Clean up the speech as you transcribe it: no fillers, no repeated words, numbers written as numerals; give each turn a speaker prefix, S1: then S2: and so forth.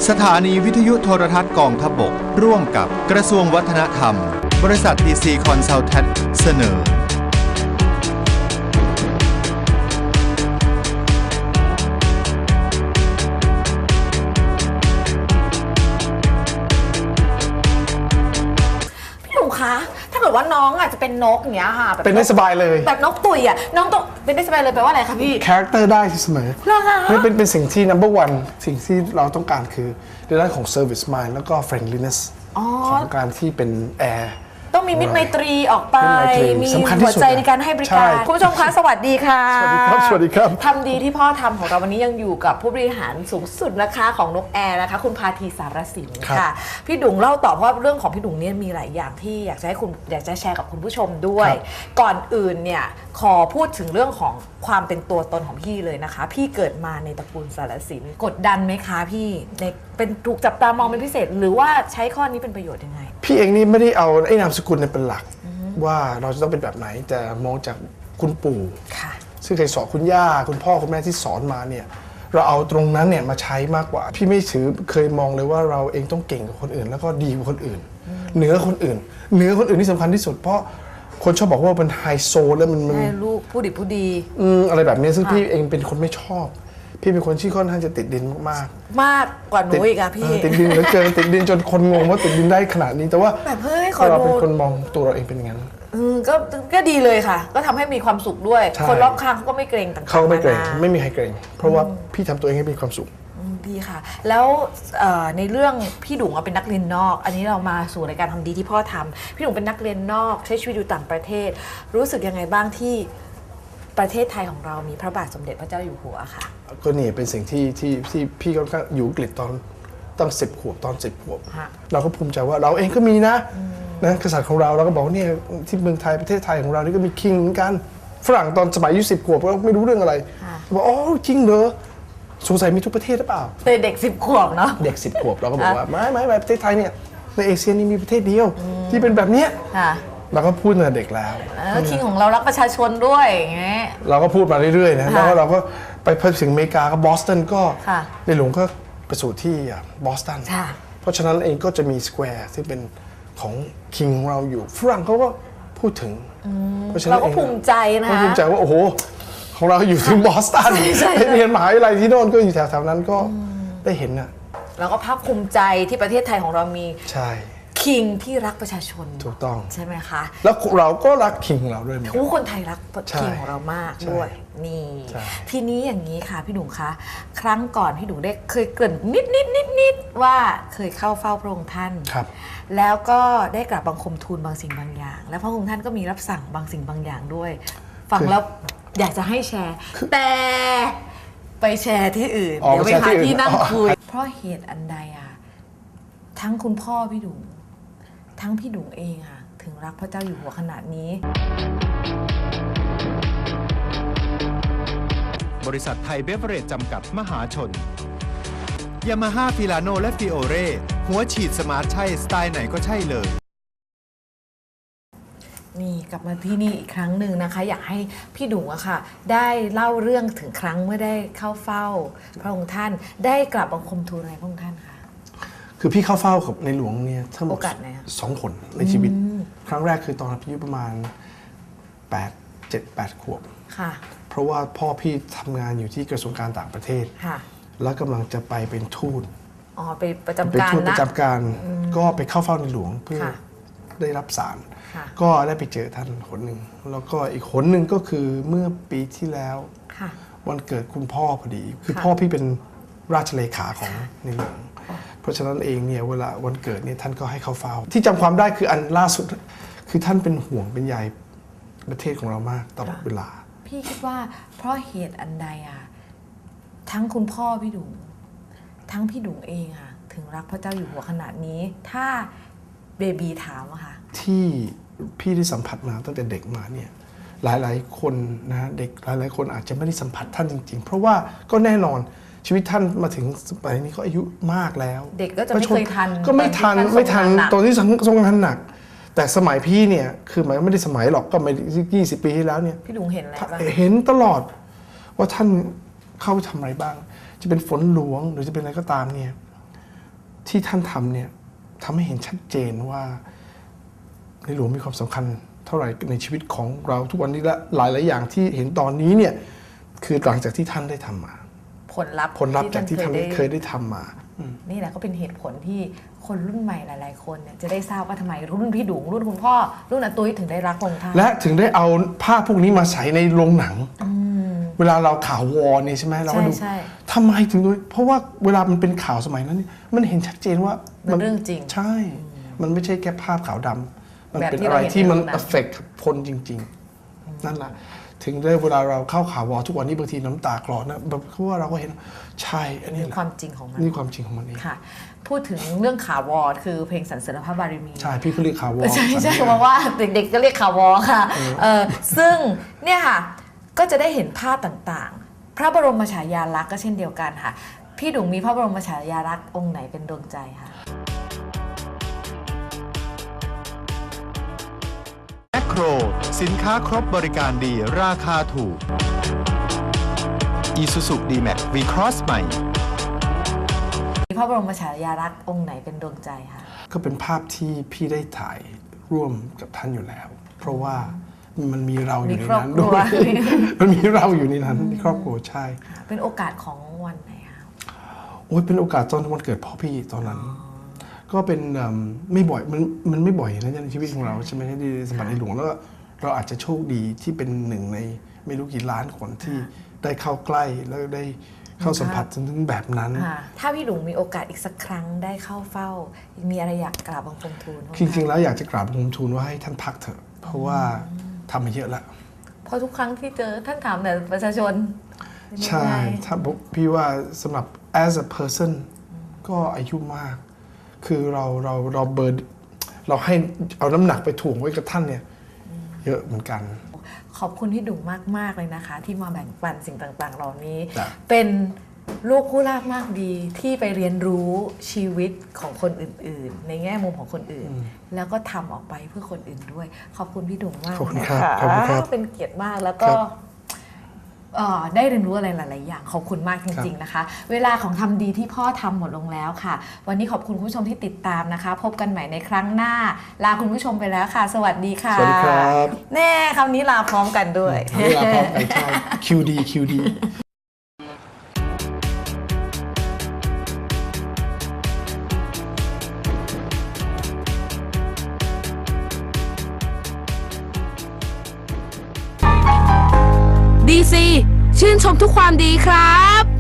S1: สถานีวิทยุโทรทัศน์กองทัพบกร่วมกับกระทรวงวัฒนธรรมบริษัท TC Consultant เสนอ
S2: ถ้าเกิดว่าน้องอาจจะเป็นนกอย่างเงี้ยค่ะ
S3: เป็นได้สบายเลย
S2: แบบนกตุ่ยอ่ะน้องต้องเป็นได้สบายเลยแปลว่าอะไรคะพี่
S3: คาแรคเตอร์ได้เสมอนี่เป็นสิ่งที่ number one สิ่งที่เราต้องการคือในด้านของ service mind แล้วก็ friendliness ของการที่เป็นแอร์
S2: ต้องมีมิตรไมตรีออกไปมีหัวใจในการให้บริการคุณผู้ชมคะสวัสดีค่ะ
S3: สวัสดีครับสวัสดีครับ
S2: ทำดีที่พ่อทำของเราวันนี้ยังอยู่กับผู้บริหารสูงสุดนะคะของนกแอร์นะคะคุณพาธีสารสินค่ะพี่ดุงเล่าต่อเพราะเรื่องของพี่ดุงเนี่ยมีหลายอย่างที่อยากจะให้คุณอยากจะแชร์กับคุณผู้ชมด้วยก่อนอื่นเนี่ยขอพูดถึงเรื่องของความเป็นตัวตนของพี่เลยนะคะพี่เกิดมาในตระกูลสารสินกดดันไหมคะพี่ในเป็นถูกจับตามองเป็นพิเศษหรือว่าใช้ข้อนี้เป็นประโยชน์ยังไง
S3: พี่เองนี่ไม่ได้เอาไอ้นามสกุลเป็นหลักว่าเราจะต้องเป็นแบบไหนแต่มองจากคุณปู่ซึ่งเคยสอนคุณย่าคุณพ่อคุณแม่ที่สอนมาเนี่ยเราเอาตรงนั้นเนี่ยมาใช้มากกว่าพี่ไม่เคยมองเลยว่าเราเองต้องเก่งกว่าคนอื่นแล้วก็ดีกว่าคนอื่นเหนือคนอื่นที่สำคัญที่สุดเพราะคนชอบบอกว่าเป็นไฮโซแล้วมัน
S2: ลูกผู้ดีผู้ดี
S3: อะไรแบบนี้ซึ่งพี่เองเป็นคนไม่ชอบพี่เป็นคนที่ค่อนข้างจะติดดินมาก
S2: กว่าหนูอีกอะพี่
S3: ติดดินเหลือเกินติดดินจนคนงงว่าติดดินได้ขนาดนี้แต่ว่า
S2: แบบเฮ้ยเรา
S3: เป็นคนมองตัวเราเองเป็นอย่างนั้น
S2: ก็ดีเลยค่ะก็ทำให้มีความสุขด้วยคนรอบข้างเขาก็ไม่เกรงต่างๆ
S3: เขาไม่เกรงไม่มีใครเกรงเพราะว่าพี่ทำตัวเองให้มีความสุข
S2: ดีค่ะแล้วในเรื่องพี่ดุ๋งเป็นนักเรียนนอกอันนี้เรามาสู่รายการทำดีที่พ่อทำพี่ดุ๋งเป็นนักเรียนนอกใช้ชีวิตอยู่ต่างประเทศรู้สึกยังไงบ้างที่ประเทศไทยของเรามีพระบาทสมเด็จพระเจ้าอยู่หัวค่ะ
S3: ก็นี่เป็นสิ่งที่พี่ก็อยู่อังกฤษตอนตั้ง10 ขวบตอน10 ขวบเราก็ภูมิใจว่าเราเองก็มีนะกษัตริย์ของเราก็บอกเนี่ยที่เมืองไทยประเทศไทยของเรานี่ก็มีคิงเหมือนกันฝรั่งตอนสมัยอายุ10 ขวบก็ไม่รู้เรื่องอะไรบอกอ๋อจริงเหรอสงสัยมีทุกประเทศหรือเปล่า
S2: เด็ก10 ขวบเนาะ
S3: เด็ก10 ขวบเราก็บอกว่าไม่ประเทศไทยเนี่ยในเอเชียนี่มีประเทศเดียวที่เป็นแบบเนี้ยเราก็พูดตั้งแต่เด็กแล้ว
S2: คิงของเรารักประชาชนด้วยอย่างเงี้ย
S3: เราก็พูดมาเรื่อยๆนะแล้วเราก็ไปถึงอเมริกาก็บอสตันก็ในหลวงก็ไปสู่ที่บอสตันเพราะฉะนั้นเองก็จะมีสแควร์ที่เป็นของคิงของเราอยู่ฝรั่งเขาก็พูดถึง
S2: เพราะฉะนั้นเราก็ภูมิใจนะ
S3: ภูมิใจว่าโอ้โหของเราอยู่ถึงบอสตันเรียนมหาวิทยาลัยที่โน่นก็อยู่แถวๆนั้นก็ได้เห็นน่ะ
S2: เราก็ภาคภูมิใจที่ประเทศไทยของเรามี
S3: ใช่
S2: คิงที่รักประชาชน
S3: ถูกต้อง
S2: ใช่ไหมคะ
S3: แล้วเราก็รักคิงของเราด้วย
S2: ทุกคนไทยรักคิงของเรามากด้วยนี่ทีนี้อย่างนี้ค่ะพี่ดุ๋งคะครั้งก่อนพี่ดุ๋งได้เคยเกริ่นนิดว่าเคยเข้าเฝ้าพระองค์ท่านแล้วก็ได้กราบบังคมทูลบางสิ่งบางอย่างแล้วพระองค์ท่านก็มีรับสั่งบางสิ่งบางอย่างด้วยฟังแล้วอยากจะให้แชร์แต่ไปแชร์ที่อื่นเดี๋ยวไปหาที่นั่งคุยเพราะเหตุอันใดอะทั้งคุณพ่อพี่ดุ๋งทั้งพี่ดุ๋งเองค่ะถึงรักพระเจ้าอยู่หัวขนาดนี้
S1: บริษัทไทยเบเวอเรจจำกัดมหาชนยามาฮ่าฟิลาโนและฟิโอเร่หัวฉีดสมาร์ทใช่สไตล์ไหนก็ใช่เลย
S2: นี่กลับมาที่นี่อีกครั้งหนึ่งนะคะอยากให้พี่ดุ๋งอะค่ะได้เล่าเรื่องถึงครั้งเมื่อได้เข้าเฝ้าพระองค์ท่านได้กราบบังคมทูลอะไรพระองค์ท่านคะ
S3: คือพี่เข้าเฝ้ากับในหลวงเนี่ยทั้งหมด2 คนในชีวิตครั้งแรกคือตอนอายุประมาณ7-8 ขวบเพราะว่าพ่อพี่ทำงานอยู่ที่กระทรวงการต่างประเทศแล้วกำลังจะไปเป็นทูต
S2: ไปประจำการนะ
S3: ประจำการก็ไปเข้าเฝ้าในหลวงเพื่อได้รับสารก็ได้ไปเจอท่านคนหนึ่งแล้วก็อีกคนหนึ่งก็คือเมื่อปีที่แล้ววันเกิดคุณพ่อพอดีคือพ่อพี่เป็นราชเลขาของในหลวงเพราะฉะนั้นเองเนี่ยเวลาวันเกิดเนี่ยท่านก็ให้เข้าเฝ้าที่จำความได้คืออันล่าสุดคือท่านเป็นห่วงเป็นใยประเทศของเรามากตลอดเวลา
S2: พี่คิดว่าเพราะเหตุอันใดอะทั้งคุณพ่อพี่ดุ๋งทั้งพี่ดุ๋งเองอะถึงรักพระเจ้าอยู่หัวขนาดนี้ถ้าเบบีถามอะค่ะ
S3: ที่พี่ได้สัมผัสมาตั้งแต่เด็กมาเนี่ยหลายๆคนนะเด็กหลายๆคนอาจจะไม่ได้สัมผัสท่านจริงๆเพราะว่าก็แน่นอนชีวิตท่านมาถึงสมัยนี้ก็อายุมากแล้ว
S2: เด็กก็จะไม่เคยทัน
S3: ก็ไม่ทันตอนที่ทรงงานหนักแต่สมัยพี่เนี่ยคือหมายไม่ได้สมัยหรอกก็ไม่20 ปีที่แล้วเนี่ย
S2: พี่ดุ๋งเห็นอะไรบ้าง
S3: เห็นตลอดว่าท่านเข้าไปทำอะไรบ้างจะเป็นฝนหลวงหรือจะเป็นอะไรก็ตามเนี่ยที่ท่านทำเนี่ยทำให้เห็นชัดเจนว่าในหลวงมีความสำคัญเท่าไหร่ในชีวิตของเราทุกวันนี้และหลายๆอย่างที่เห็นตอนนี้เนี่ยคือหลังจากที่ท่านได้ทำมา
S2: ผลลัพธ์
S3: จากที่ท่านเคยได้ทำมา
S2: นี่แหละก็เป็นเหตุผลที่คนรุ่นใหม่หลายๆคนเนี่ยจะได้ทราบว่าทำไมรุ่นพี่ดุงรุ่นคุณพ่อรุ่นอาตุ้ยถึงได้รักพระองค์ท่าน
S3: และถึงได้เอาภาพพวกนี้มาใส่ในโรงหนังเวลาเราข่าววอร์เนี่ยใช่ไหมเราก็ดูทำไมถึงด้วยเพราะว่าเวลามันเป็นข่าวสมัยนั้นมันเห็นชัดเจนว่า
S2: มันเรื่องจริง
S3: ใช่มันไม่ใช่แค่ภาพขาวดำมันเป็นอะไรที่มันเอฟเฟกต์คนจริงๆนั่นแหละถึงได้เวลาเราเข้าข่าววอร์ทุกวันนี้บางทีน้ำตาคลอนะเพราะว่าเราก็เห็นใช่อันนี้แหละ
S2: ความจริงของมัน
S3: นี่ความจริงของมันเอง
S2: ค่ะพูดถึงเรื่องข่าววอร์คือเพลงสรรเสริญพระบารมี
S3: ใช่พี่ก็เรียกข่าววอร์
S2: ใช่เพราะว่าเด็กๆก็เรียกข่าววอร์ค่ะซึ่งเนี่ยค่ะก็จะได้เห็นภาพต่างๆพระบรมฉายาลักษณ์ก็เช่นเดียวกันค่ะพี่ดุงมีพระบรมฉายาลักษณ์องค์ไหนเป็นดวงใจคะ
S1: แมคโครสินค้าครบบริการดีราคาถูก Isuzu D-Max V-Cross ใหม่
S2: พระบรมฉายาลักษณ์องค์ไหนเป็นดวงใจคะ
S3: ก็เป็นภาพที่พี่ได้ถ่ายร่วมกับท่านอยู่แล้วเพราะว่ามันมีเราอยู่ในนั้นด้วยมันมีเราอยู่ในนั้นครอบครัวใช่
S2: เป็นโอกาสของวันไหนคะ
S3: โอ้ยเป็นโอกาสตอนวันเกิดพ่อพี่ตอนนั้นก็เป็นไม่บ่อยมันไม่บ่อยนะในชีวิตของเราใช่ไหมที่สมัยในหลวงแล้วเราอาจจะโชคดีที่เป็นหนึ่งในไม่รู้กี่ล้านคนที่ได้เข้าใกล้แล้วได้เข้าสัมผัสถึงแบบนั้น
S2: ถ้าพี่หลวงมีโอกาสอีกสักครั้งได้เข้าเฝ้ามีอะไรอยากกราบบังคมทูล
S3: จริงๆแล้วอยากจะกราบบังคมทูลว่าให้ท่านพักเถอะเพราะว่าทำมาเยอะแล้ว
S2: เพราะทุกครั้งที่เจอท่านถามแต่ประชาชน
S3: ใช่ถ้าพี่ว่าสำหรับ as a person ก็อายุมากคือเราเบิร์ดเราให้เอาน้ำหนักไปถ่วงไว้กับท่านเนี่ยเยอะเหมือนกัน
S2: ขอบคุณพี่ดุงมากๆเลยนะคะที่มาแบ่งปันสิ่งต่างๆเหล่านี้เป็นลูกผู้ลาภมากดีที่ไปเรียนรู้ชีวิตของคนอื่นๆในแง่มุมของคนอื่นแล้วก็ทำออกไปเพื่อคนอื่นด้วยขอบคุณพี่ดุงมาก
S3: นะคะ
S2: เป็นเกียรติมากแล้วก็ได้เรียนรู้อะไรหลายๆอย่างขอบคุณมากจริงๆนะคะเวลาของทำดีที่พ่อทำหมดลงแล้วค่ะวันนี้ขอบคุณคุณผู้ชมที่ติดตามนะคะพบกันใหม่ในครั้งหน้าลาคุณผู้ชมไปแล้วค่ะสวัสดีค่ะ
S3: สวัสดีครับ
S2: แน่คำนี้ลาพร้อมกันด้วย
S3: ลาพร้อมกันใช่ QD
S4: DC ชื่นชมทุกความดีครับ